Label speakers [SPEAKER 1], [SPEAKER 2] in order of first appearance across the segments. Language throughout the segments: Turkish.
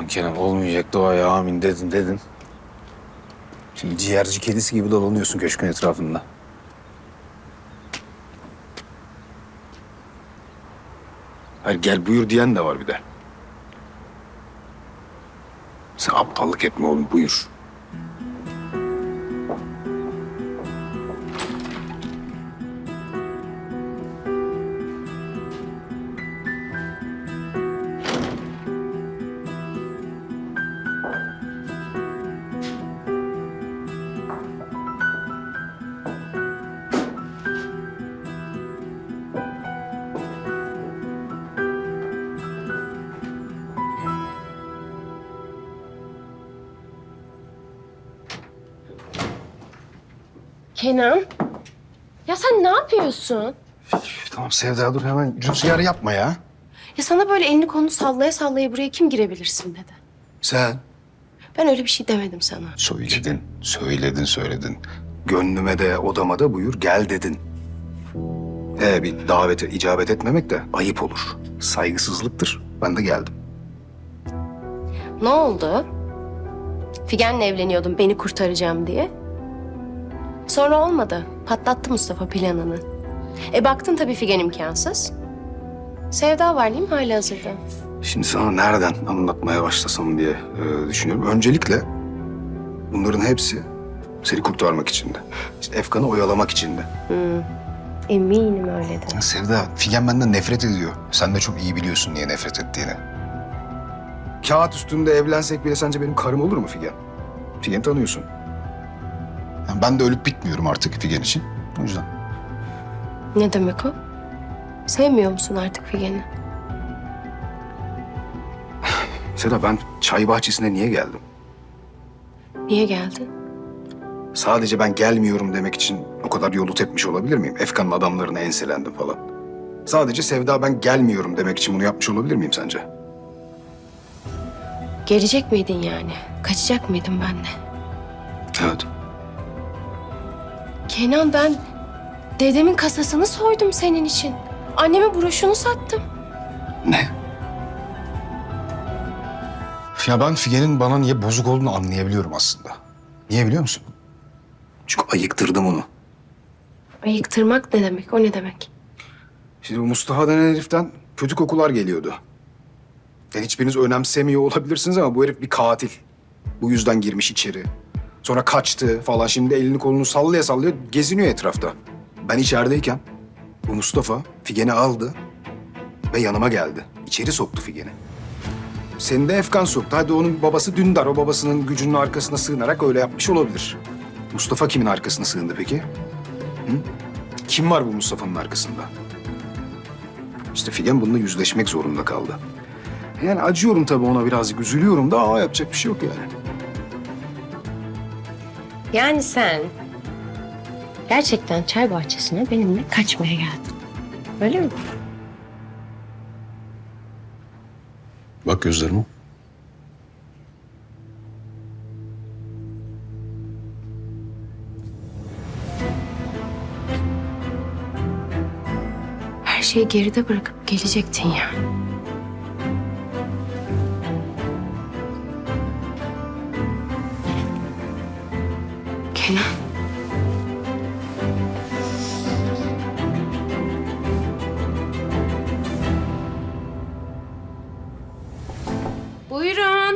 [SPEAKER 1] Aman Kenan olmayacak duaya amin dedin. Şimdi ciğerci kedisi gibi dolanıyorsun köşkün etrafında. Hayır gel buyur diyen de var bir de. Sen aptallık etme oğlum buyur.
[SPEAKER 2] Kenan, ya sen ne yapıyorsun?
[SPEAKER 1] Tamam Sevda dur hemen rüzgar yapma ya.
[SPEAKER 2] Ya sana böyle elini kolunu sallaya sallaya buraya kim girebilirsin dedi.
[SPEAKER 1] Sen
[SPEAKER 2] Ben öyle bir şey demedim sana.
[SPEAKER 1] söyledin. Gönlüme de odama da buyur gel dedin. Bir davete icabet etmemek de ayıp olur. Saygısızlıktır. Ben de geldim.
[SPEAKER 2] Ne oldu? Figen'le evleniyordum beni kurtaracağım diye. Sonra olmadı. Patlattı Mustafa planını. Baktın tabii Figen imkansız. Sevda var değil mi halihazırda?
[SPEAKER 1] Şimdi sana nereden anlatmaya başlasam diye düşünüyorum. Öncelikle bunların hepsi seni kurtarmak içindi. İşte Efkan'ı oyalamak içindi.
[SPEAKER 2] Eminim öyledir.
[SPEAKER 1] Sevda, Figen benden nefret ediyor. Sen de çok iyi biliyorsun niye nefret ettiğini. Kağıt üstünde evlensek bile sence benim karım olur mu Figen? Figen'i tanıyorsun. Yani ben de ölüp bitmiyorum artık Figen için. O yüzden.
[SPEAKER 2] Ne demek o? Sevmiyor musun artık Figen'i?
[SPEAKER 1] Sevda ben çay bahçesine niye geldim?
[SPEAKER 2] Niye geldin?
[SPEAKER 1] Sadece ben gelmiyorum demek için o kadar yolu tepmiş olabilir miyim? Efkan'ın adamlarına enselendim falan. Sadece Sevda ben gelmiyorum demek için bunu yapmış olabilir miyim sence?
[SPEAKER 2] Gelecek miydin yani? Kaçacak mıydın benimle?
[SPEAKER 1] Evet.
[SPEAKER 2] Kenan ben dedemin kasasını soydum senin için. Anneme broşunu sattım.
[SPEAKER 1] Ne? Ya ben Figen'in bana niye bozuk olduğunu anlayabiliyorum aslında. Niye biliyor musun? Çünkü ayıktırdım onu.
[SPEAKER 2] Ayıktırmak ne demek? O ne demek?
[SPEAKER 1] Şimdi bu Mustafa denen heriften kötü kokular geliyordu. Yani hiçbiriniz önemsemiyor olabilirsiniz ama bu herif bir katil. Bu yüzden girmiş içeri. Sonra kaçtı falan. Şimdi elini kolunu sallaya sallaya geziniyor etrafta. Ben içerideyken bu Mustafa Figen'i aldı ve yanıma geldi. İçeri soktu Figen'i. Seni de Efkan soktu. Hadi onun babası Dündar. O babasının gücünün arkasına sığınarak öyle yapmış olabilir. Mustafa kimin arkasına sığındı peki? Hı? Kim var bu Mustafa'nın arkasında? İşte Figen bununla yüzleşmek zorunda kaldı. Yani acıyorum tabii ona birazcık, üzülüyorum da ama yapacak bir şey yok yani.
[SPEAKER 2] Yani sen gerçekten çay bahçesine benimle kaçmaya geldin. Öyle mi?
[SPEAKER 1] Bak gözlerime.
[SPEAKER 2] Her şeyi geride bırakıp gelecektin ya. Kenan. Buyurun.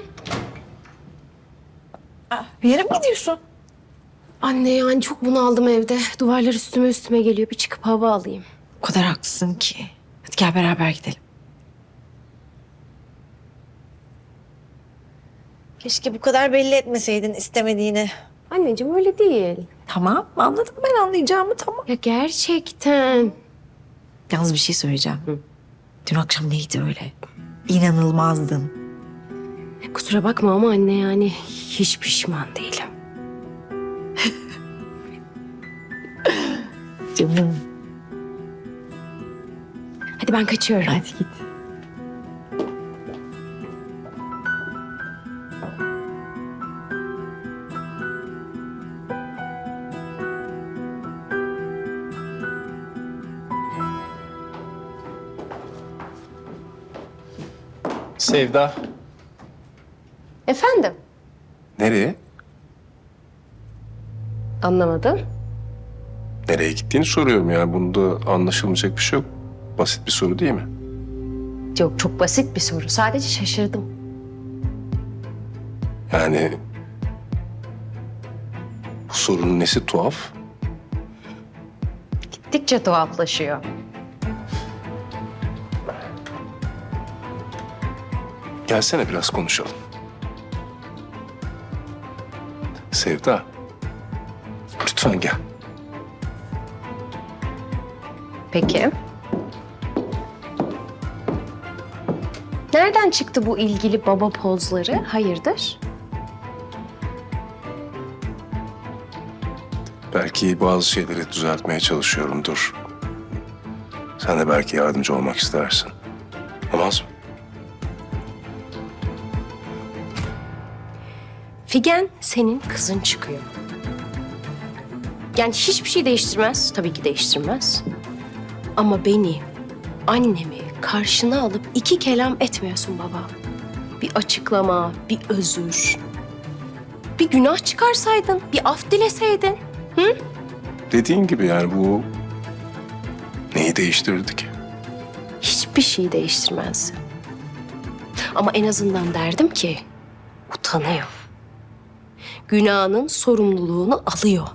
[SPEAKER 3] Bir yere mi gidiyorsun?
[SPEAKER 2] Anne yani çok bunaldım evde. Duvarlar üstüme geliyor. Bir çıkıp hava alayım.
[SPEAKER 3] O kadar haklısın ki. Hadi gel beraber gidelim. Keşke bu kadar belli etmeseydin istemediğini.
[SPEAKER 2] Anneciğim öyle değil.
[SPEAKER 3] Tamam, anladım ben anlayacağımı tamam.
[SPEAKER 2] Ya gerçekten.
[SPEAKER 3] Yalnız bir şey söyleyeceğim. Dün akşam neydi öyle? İnanılmazdın.
[SPEAKER 2] Kusura bakma ama anne yani hiç pişman değilim.
[SPEAKER 3] Canım.
[SPEAKER 2] Hadi ben kaçıyorum.
[SPEAKER 3] Hadi git.
[SPEAKER 4] Sevda.
[SPEAKER 2] Efendim?
[SPEAKER 4] Nereye?
[SPEAKER 2] Anlamadım.
[SPEAKER 4] Nereye gittiğini soruyorum yani. Bunda anlaşılmayacak bir şey yok. Basit bir soru değil mi?
[SPEAKER 2] Yok, çok basit bir soru. Sadece şaşırdım.
[SPEAKER 4] Yani bu sorunun nesi tuhaf?
[SPEAKER 2] Gittikçe tuhaflaşıyor.
[SPEAKER 4] Gelsene biraz konuşalım. Sevda. Lütfen gel.
[SPEAKER 2] Peki. Nereden çıktı bu ilgili baba pozları? Hayırdır?
[SPEAKER 4] Belki bazı şeyleri düzeltmeye çalışıyorumdur. Sen de belki yardımcı olmak istersin. Olmaz mı?
[SPEAKER 2] Figen senin kızın çıkıyor. Yani hiçbir şey değiştirmez. Tabii ki değiştirmez. Ama beni, annemi karşına alıp iki kelam etmiyorsun baba. Bir açıklama, bir özür. Bir günah çıkarsaydın, bir af dileseydin.
[SPEAKER 4] Dediğin gibi yani bu neyi değiştirirdi ki?
[SPEAKER 2] Hiçbir şey değiştirmez. Ama en azından derdim ki utanıyor. Günahının sorumluluğunu alıyor.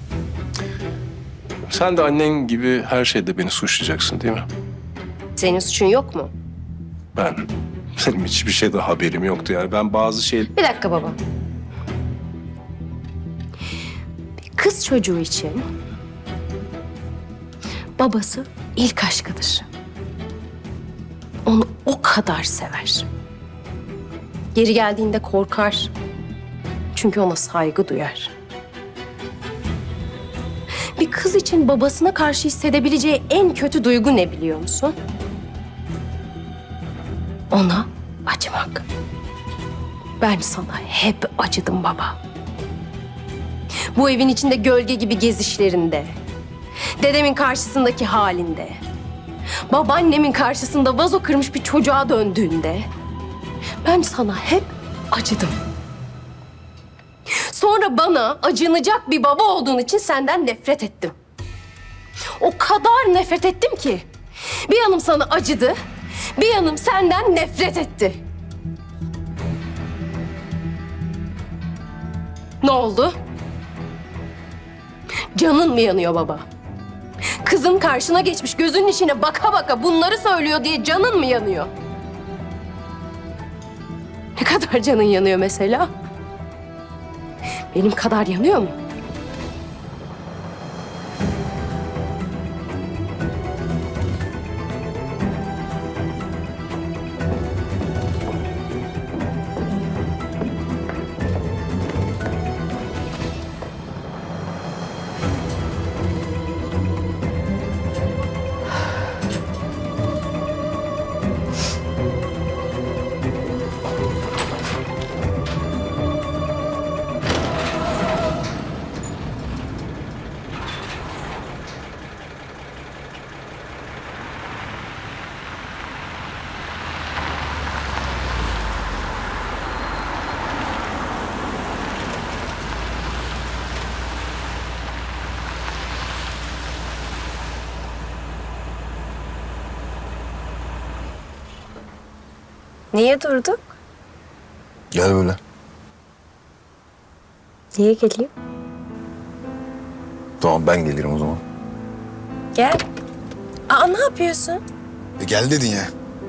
[SPEAKER 4] Sen de annen gibi her şeyde beni suçlayacaksın değil mi?
[SPEAKER 2] Senin suçun yok mu?
[SPEAKER 4] Benim hiçbir şeyde haberim yoktu yani. Ben bazı şey...
[SPEAKER 2] Bir dakika baba. Bir kız çocuğu için babası ilk aşkıdır. Onu o kadar sever. Geri geldiğinde korkar. Çünkü ona saygı duyar. Bir kız için babasına karşı hissedebileceği en kötü duygu ne biliyor musun? Ona acımak. Ben sana hep acıdım baba. Bu evin içinde gölge gibi gezişlerinde, dedemin karşısındaki halinde, babaannemin karşısında vazo kırmış bir çocuğa döndüğünde ben sana hep acıdım. Sonra bana acınacak bir baba olduğun için senden nefret ettim. O kadar nefret ettim ki bir yanım sana acıdı, bir yanım senden nefret etti. Ne oldu? Canın mı yanıyor baba? Kızın karşına geçmiş gözünün içine baka baka bunları söylüyor diye canın mı yanıyor? Ne kadar canın yanıyor mesela? Benim kadar yanıyor mu? Niye durduk?
[SPEAKER 1] Gel böyle.
[SPEAKER 2] Niye geliyor?
[SPEAKER 1] Tamam ben gelirim o zaman.
[SPEAKER 2] Gel. Aa, ne yapıyorsun?
[SPEAKER 1] Gel dedin ya.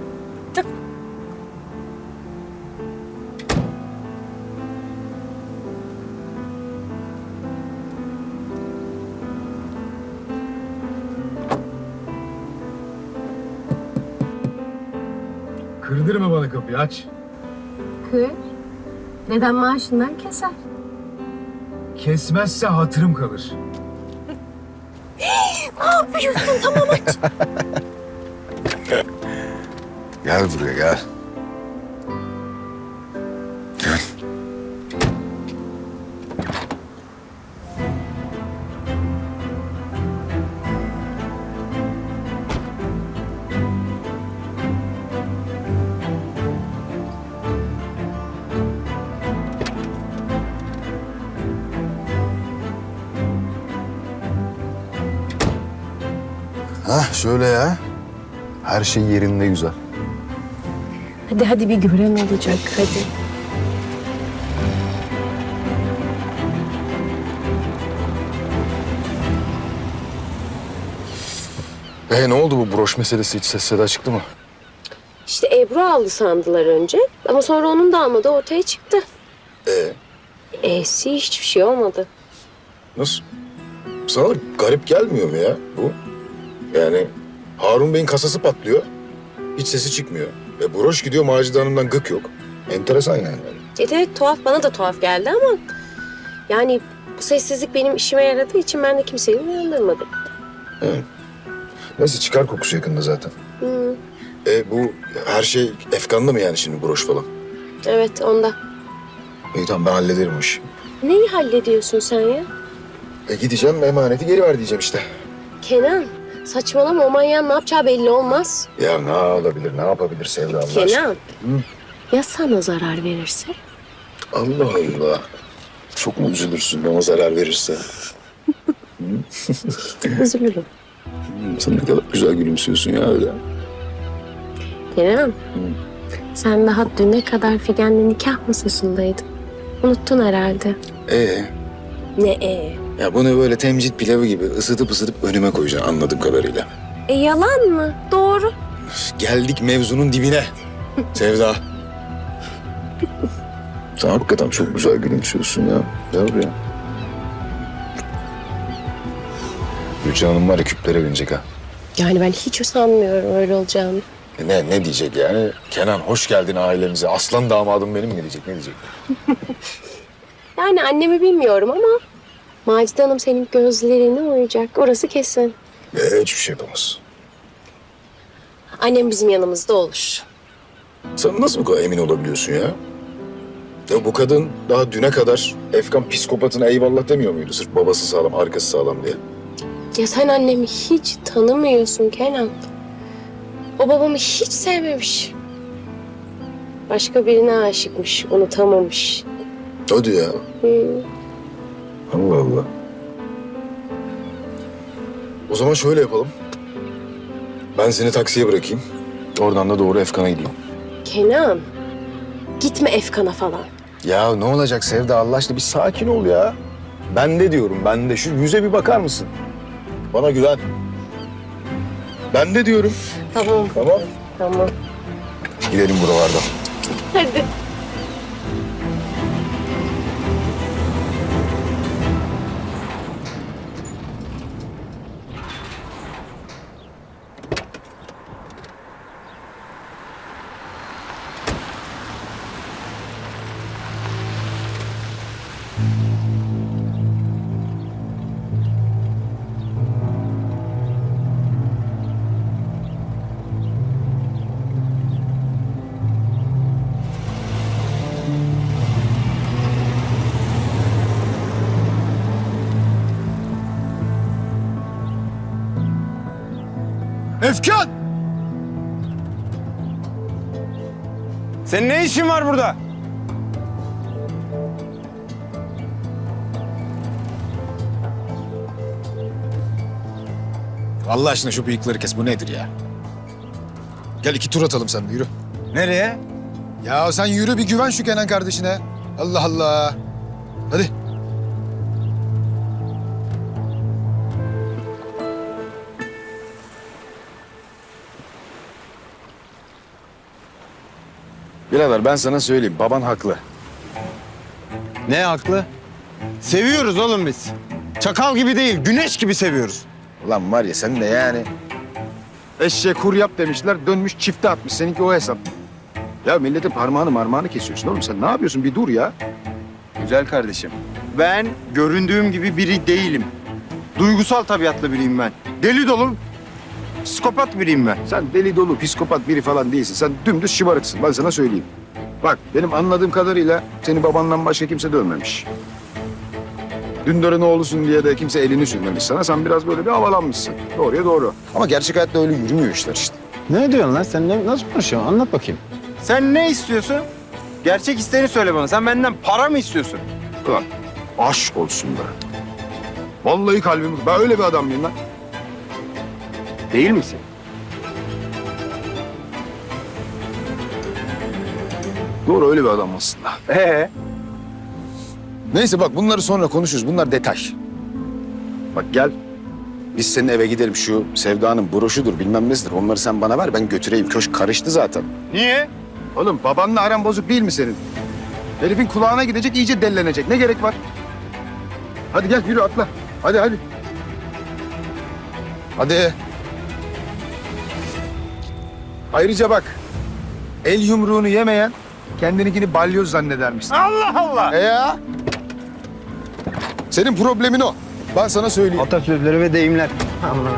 [SPEAKER 1] Kırdırma bana kapıyı, aç.
[SPEAKER 2] Kır. Neden maaşından keser?
[SPEAKER 1] Kesmezse hatırım kalır.
[SPEAKER 2] Ne yapıyorsun? Tamam aç.
[SPEAKER 1] Gel buraya gel. Gel.
[SPEAKER 5] Hah şöyle ya. Her şey yerinde güzel.
[SPEAKER 2] Hadi bir gören olacak hadi.
[SPEAKER 5] Ne oldu bu broş meselesi, hiç ses seda çıktı mı?
[SPEAKER 2] İşte Ebru aldı sandılar önce ama sonra onun da almadığı ortaya çıktı. E'si hiçbir şey olmadı.
[SPEAKER 5] Nasıl? Sana garip gelmiyor mu ya bu? Yani Harun Bey'in kasası patlıyor. Hiç sesi çıkmıyor. Broş gidiyor, Macide Hanım'dan gık yok. Enteresan yani.
[SPEAKER 2] Evet tuhaf, bana da tuhaf geldi ama yani bu sessizlik benim işime yaradığı için ben de kimseyi uyandırmadım.
[SPEAKER 5] Neyse çıkar kokusu yakında zaten. Bu her şey efkanlı mı yani şimdi broş falan?
[SPEAKER 2] Evet onda.
[SPEAKER 5] İyi tamam ben hallederim o işi.
[SPEAKER 2] Neyi hallediyorsun sen ya?
[SPEAKER 5] Gideceğim emaneti geri ver diyeceğim işte.
[SPEAKER 2] Kenan saçmalama, o manyağın ne yapacağı belli olmaz.
[SPEAKER 5] Ya ne olabilir, ne yapabilir Sevda Allah aşkına?
[SPEAKER 2] Kenan ya sana zarar verirse?
[SPEAKER 5] Allah Allah. Çok mu üzülürsün bana zarar verirse?
[SPEAKER 2] Üzülürüm.
[SPEAKER 5] Sen ne kadar güzel gülümsüyorsun ya öyle.
[SPEAKER 2] Kenan sen daha düne kadar Figen'le nikah masasındaydın. Unuttun herhalde. Ne?
[SPEAKER 5] Ya bunu böyle temcit pilavı gibi ısıtıp önüme koyacaksın anladığım kadarıyla.
[SPEAKER 2] Yalan mı? Doğru.
[SPEAKER 5] Geldik mevzunun dibine. Sevda. Sen hakikaten çok güzel gülümsüyorsun ya. Gel buraya. Gülcan Hanım var ya küplere binecek ha.
[SPEAKER 2] Yani ben hiç sanmıyorum öyle olacağını.
[SPEAKER 5] Ne diyecek yani? Kenan hoş geldin ailemize. Aslan damadım benim mi diyecek? Ne diyecek?
[SPEAKER 2] Yani annemi bilmiyorum ama Macide Hanım senin gözlerine uyacak. Orası kesin.
[SPEAKER 5] Hiçbir şey yapamaz.
[SPEAKER 2] Annem bizim yanımızda olur.
[SPEAKER 5] Sen nasıl bu kadar emin olabiliyorsun ya? Ya bu kadın daha düne kadar Efkan psikopatına eyvallah demiyor muydu? Sırf babası sağlam, arkası sağlam diye.
[SPEAKER 2] Ya sen annemi hiç tanımıyorsun Kenan. O babamı hiç sevmemiş. Başka birine aşıkmış, unutamamış.
[SPEAKER 5] Hadi ya. Allah Allah. O zaman şöyle yapalım. Ben seni taksiye bırakayım. Oradan da doğru Efkan'a gideyim.
[SPEAKER 2] Kenan, gitme Efkan'a falan.
[SPEAKER 5] Ya ne olacak Sevda Allah aşkına bir sakin ol ya. Ben de diyorum ben de. Şu yüze bir bakar mısın? Bana güven. Ben de diyorum.
[SPEAKER 2] Tamam,
[SPEAKER 5] Tamam.
[SPEAKER 2] tamam.
[SPEAKER 5] Gidelim buralardan.
[SPEAKER 2] Hadi.
[SPEAKER 6] Efkan! Senin ne işin var burada?
[SPEAKER 1] Allah aşkına şu bıyıkları kes. Bu nedir ya? Gel 2 tur atalım sen de yürü.
[SPEAKER 6] Nereye?
[SPEAKER 1] Ya sen yürü bir güven şu Kenan kardeşine. Allah Allah. Hadi.
[SPEAKER 5] Birader ben sana söyleyeyim baban haklı.
[SPEAKER 6] Ne haklı? Seviyoruz oğlum biz. Çakal gibi değil, güneş gibi seviyoruz.
[SPEAKER 5] Ulan var ya sen de yani.
[SPEAKER 1] Eşeğe kur yap demişler. Dönmüş çifte atmış. Seninki o hesap. Ya milletin parmağını kesiyorsun oğlum. Sen ne yapıyorsun? Bir dur ya.
[SPEAKER 6] Güzel kardeşim. Ben göründüğüm gibi biri değilim. Duygusal tabiatlı biriyim ben. Deli dolu, psikopat biriyim ben.
[SPEAKER 1] Sen deli dolu, psikopat biri falan değilsin. Sen dümdüz şımarıksın. Ben sana söyleyeyim. Bak benim anladığım kadarıyla seni babandan başka kimse dövmemiş. Dündar'ın oğlusun diye de kimse elini sürmemiş sana. Sen biraz böyle bir havalanmışsın. Doğruya doğru. Ama gerçek hayatta öyle yürümüyor işler işte.
[SPEAKER 6] Ne diyorsun lan? Sen nasıl konuşuyorsun? Anlat bakayım. Sen ne istiyorsun? Gerçek isteğini söyle bana. Sen benden para mı istiyorsun?
[SPEAKER 1] Ulan aşk olsun be. Vallahi kalbim. Ben öyle bir adam mıyım lan?
[SPEAKER 6] Değil misin?
[SPEAKER 5] Doğru, öyle bir adam aslında. Neyse bak, bunları sonra konuşuruz. Bunlar detay. Bak gel. Biz senin eve gidelim. Şu Sevda'nın broşudur bilmem nesidir. Onları sen bana ver, ben götüreyim. Köşk karıştı zaten.
[SPEAKER 6] Niye?
[SPEAKER 5] Oğlum babanla aran bozuk değil mi senin? Herifin kulağına gidecek, iyice dellenecek. Ne gerek var? Hadi gel, yürü atla. Hadi hadi. Hadi. Ayrıca bak, el yumruğunu yemeyen kendininkini balyoz zannedermişsin.
[SPEAKER 6] Allah Allah!
[SPEAKER 5] Ya? Senin problemin o. Ben sana söyleyeyim.
[SPEAKER 6] Atasözleri ve deyimler. Allah.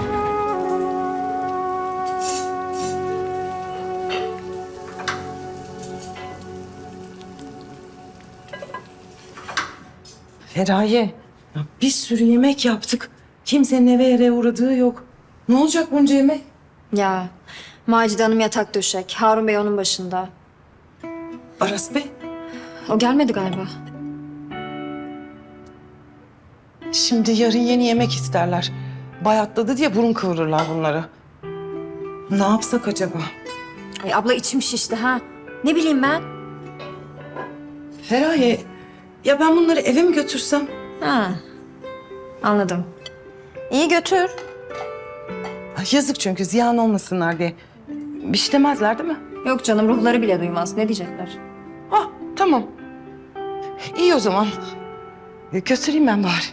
[SPEAKER 7] Feraye, ya bir sürü yemek yaptık. Kimsenin eve yere uğradığı yok. Ne olacak bunca yemek?
[SPEAKER 8] Ya Macide Hanım yatak döşek. Harun Bey onun başında.
[SPEAKER 7] Aras Bey,
[SPEAKER 8] O gelmedi galiba.
[SPEAKER 7] şimdi yarın yeni yemek isterler. Bayatladı diye burun kıvırırlar bunları. Ne yapsak acaba?
[SPEAKER 8] Ay abla içim şişti ha. Ne bileyim ben.
[SPEAKER 7] Feraye, ya ben bunları eve mi götürsem?
[SPEAKER 8] Ha. Anladım. İyi götür.
[SPEAKER 7] Ay, yazık çünkü ziyan olmasınlar diye. Bir şey demezler değil mi?
[SPEAKER 8] Yok canım ruhları bile duymaz. Ne diyecekler?
[SPEAKER 7] Ah, tamam. İyi o zaman. Götüreyim ben bari.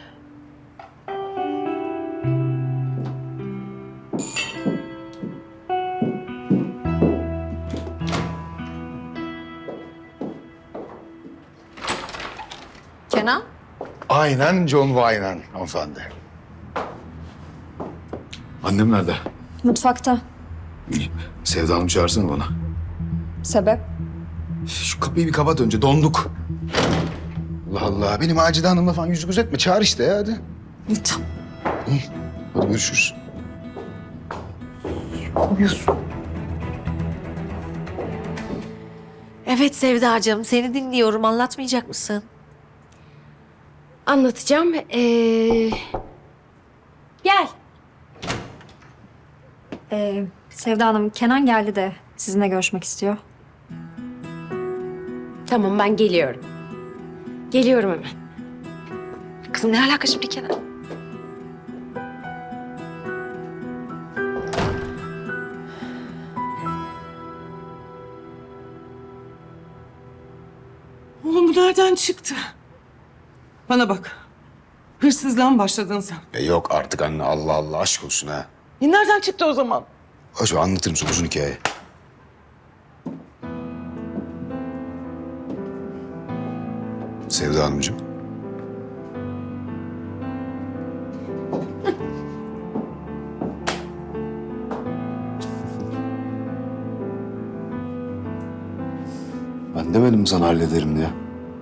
[SPEAKER 8] Kenan?
[SPEAKER 5] Aynen John Wayne'en hanımefendi. Annem nerede?
[SPEAKER 8] Mutfakta.
[SPEAKER 5] Sevda Hanım çağırsana bana.
[SPEAKER 8] Sebep?
[SPEAKER 5] Şu kapıyı bir kapat önce, donduk. Allah Allah, benim Macide Hanım'la falan yüzü gözetme. Çağır işte ya, hadi.
[SPEAKER 7] Tamam.
[SPEAKER 5] Hadi görüşürüz.
[SPEAKER 3] Evet Sevdacığım, seni dinliyorum. Anlatmayacak mısın?
[SPEAKER 2] Anlatacağım. Gel.
[SPEAKER 8] Sevda Hanım, Kenan geldi de sizinle görüşmek istiyor.
[SPEAKER 2] Tamam ben geliyorum. Geliyorum hemen.
[SPEAKER 3] Kızım ne alaka şimdi Kenan?
[SPEAKER 7] Oğlum bu nereden çıktı? Bana bak. Hırsızlığa mı başladın sen?
[SPEAKER 5] Yok artık anne, Allah Allah, aşk olsun ha.
[SPEAKER 7] Nereden çıktı o zaman?
[SPEAKER 5] Acaba anlatırım sana uzun hikaye. Sevda Hanımcığım. Ben demedim sana hallederim diye.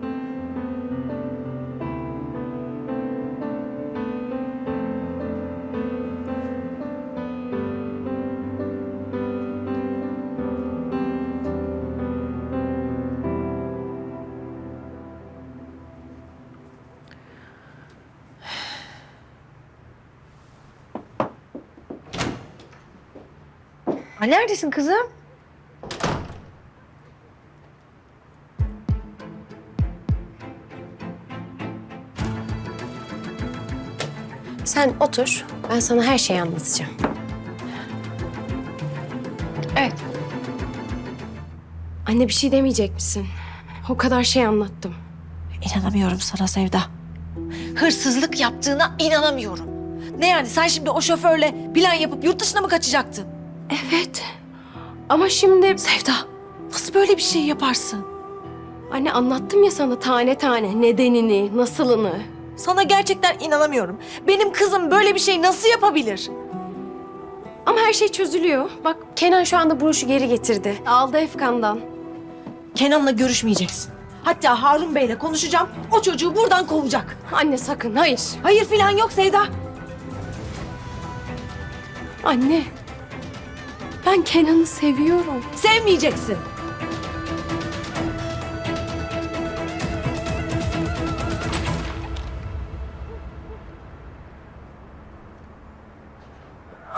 [SPEAKER 3] Ay, neredesin kızım?
[SPEAKER 2] Sen otur. Ben sana her şeyi anlatacağım.
[SPEAKER 3] Evet.
[SPEAKER 2] Anne bir şey demeyecek misin? O kadar şey anlattım.
[SPEAKER 3] İnanamıyorum sana Sevda. Hırsızlık yaptığına inanamıyorum. Ne yani sen şimdi o şoförle plan yapıp yurt dışına mı kaçacaktın?
[SPEAKER 2] Evet. Ama şimdi...
[SPEAKER 3] Sevda, nasıl böyle bir şey yaparsın?
[SPEAKER 2] Anne anlattım ya sana tane tane nedenini, nasılını.
[SPEAKER 3] Sana gerçekten inanamıyorum. Benim kızım böyle bir şey nasıl yapabilir?
[SPEAKER 2] Ama her şey çözülüyor. Bak Kenan şu anda broşu geri getirdi. Aldı Efkan'dan.
[SPEAKER 3] Kenan'la görüşmeyeceksin. Hatta Harun Bey'le konuşacağım. O çocuğu buradan kovacak.
[SPEAKER 2] Anne sakın, hayır.
[SPEAKER 3] Hayır falan yok Sevda.
[SPEAKER 2] Anne, ben Kenan'ı seviyorum.
[SPEAKER 3] Sevmeyeceksin.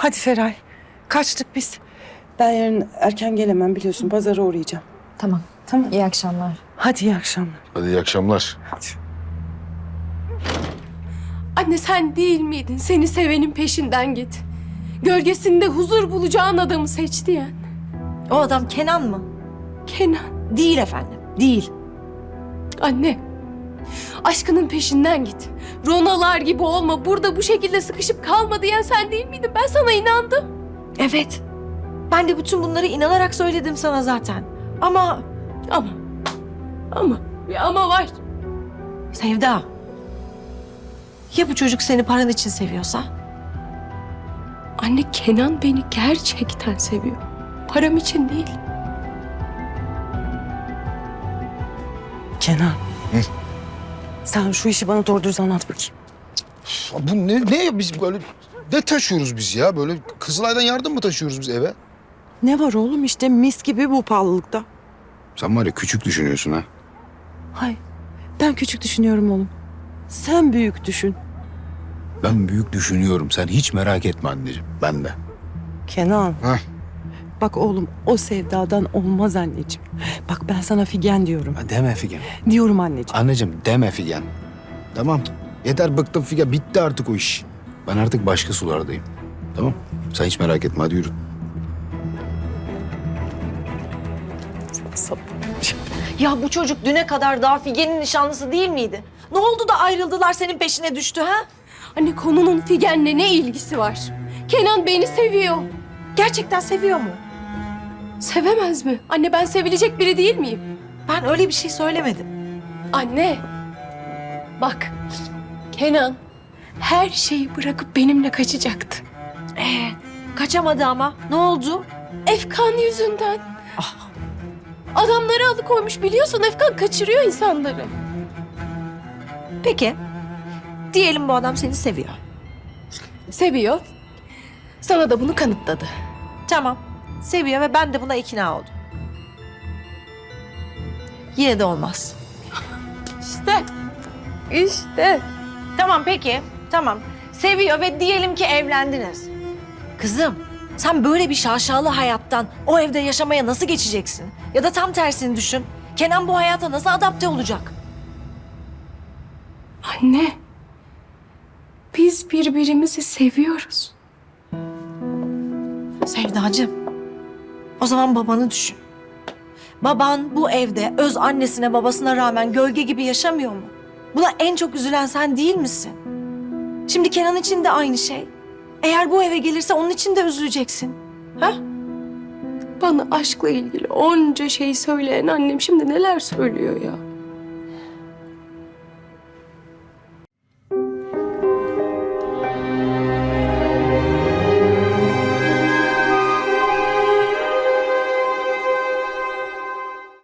[SPEAKER 7] Hadi Feray. Kaçtık biz. Ben yarın erken gelemem biliyorsun. Pazara uğrayacağım.
[SPEAKER 8] Tamam.
[SPEAKER 7] Tamam.
[SPEAKER 8] İyi akşamlar.
[SPEAKER 7] Hadi iyi akşamlar.
[SPEAKER 5] Hadi iyi akşamlar.
[SPEAKER 7] Hadi.
[SPEAKER 2] Anne sen değil miydin? Seni sevenin peşinden git. Gölgesinde huzur bulacağın adamı seç diyen.
[SPEAKER 3] O adam Kenan mı?
[SPEAKER 2] Kenan.
[SPEAKER 3] Değil efendim, değil.
[SPEAKER 2] Anne. Aşkının peşinden git. Ronalar gibi olma. Burada bu şekilde sıkışıp kalma diyen sen değil miydin? Ben sana inandım.
[SPEAKER 3] Evet. Ben de bütün bunları inanarak söyledim sana zaten. Ama
[SPEAKER 2] Ama. Bir ama var.
[SPEAKER 3] Sevda. Ya bu çocuk seni paran için seviyorsa?
[SPEAKER 2] Anne Kenan beni gerçekten seviyor. Param için değil.
[SPEAKER 7] Kenan. Sen şu işi bana doğru düz anlat bakayım.
[SPEAKER 5] Bu ne biz böyle ne taşıyoruz biz ya? Böyle Kızılay'dan yardım mı taşıyoruz biz eve?
[SPEAKER 7] Ne var oğlum işte mis gibi bu pahalılıkta.
[SPEAKER 1] Sen var ya küçük düşünüyorsun ha.
[SPEAKER 7] Hay ben küçük düşünüyorum oğlum. Sen büyük düşün.
[SPEAKER 1] Ben büyük düşünüyorum. Sen hiç merak etme anneciğim. Ben de.
[SPEAKER 7] Kenan.
[SPEAKER 5] Heh.
[SPEAKER 7] Bak oğlum o sevdadan olmaz anneciğim. Bak ben sana Figen diyorum.
[SPEAKER 1] Ha, deme Figen.
[SPEAKER 7] Diyorum anneciğim.
[SPEAKER 1] Anneciğim deme Figen. Tamam. Yeter bıktım Figen. Bitti artık o iş. Ben artık başka sulardayım. Tamam. Sen hiç merak etme. Hadi yürü.
[SPEAKER 3] Ya bu çocuk düne kadar daha Figen'in nişanlısı değil miydi? Ne oldu da ayrıldılar senin peşine düştü ha?
[SPEAKER 2] Anne konunun Figen'le ne ilgisi var? Kenan beni seviyor.
[SPEAKER 3] Gerçekten seviyor mu?
[SPEAKER 2] Sevemez mi? Anne ben sevilecek biri değil miyim?
[SPEAKER 3] Ben öyle bir şey söylemedim.
[SPEAKER 2] Anne. Bak. Kenan her şeyi bırakıp benimle kaçacaktı.
[SPEAKER 3] Kaçamadı ama. Ne oldu?
[SPEAKER 2] Efkan yüzünden. Adamları alıkoymuş biliyorsun Efkan kaçırıyor insanları.
[SPEAKER 3] Peki. Diyelim bu adam seni seviyor.
[SPEAKER 2] Seviyor. Sana da bunu kanıtladı.
[SPEAKER 3] Tamam. Seviyor ve ben de buna ikna oldum. Yine de olmaz.
[SPEAKER 2] İşte.
[SPEAKER 3] Tamam peki. Tamam. Seviyor ve diyelim ki evlendiniz. Kızım, sen böyle bir şaşalı hayattan o evde yaşamaya nasıl geçeceksin? Ya da tam tersini düşün. Kenan bu hayata nasıl adapte olacak?
[SPEAKER 2] Anne. Biz birbirimizi seviyoruz.
[SPEAKER 3] Sevdacığım, o zaman babanı düşün. Baban bu evde öz annesine babasına rağmen gölge gibi yaşamıyor mu? Buna en çok üzülen sen değil misin? Şimdi Kenan için de aynı şey. Eğer bu eve gelirse onun için de üzüleceksin. Ha?
[SPEAKER 2] Bana aşkla ilgili onca şey söyleyen annem şimdi neler söylüyor ya?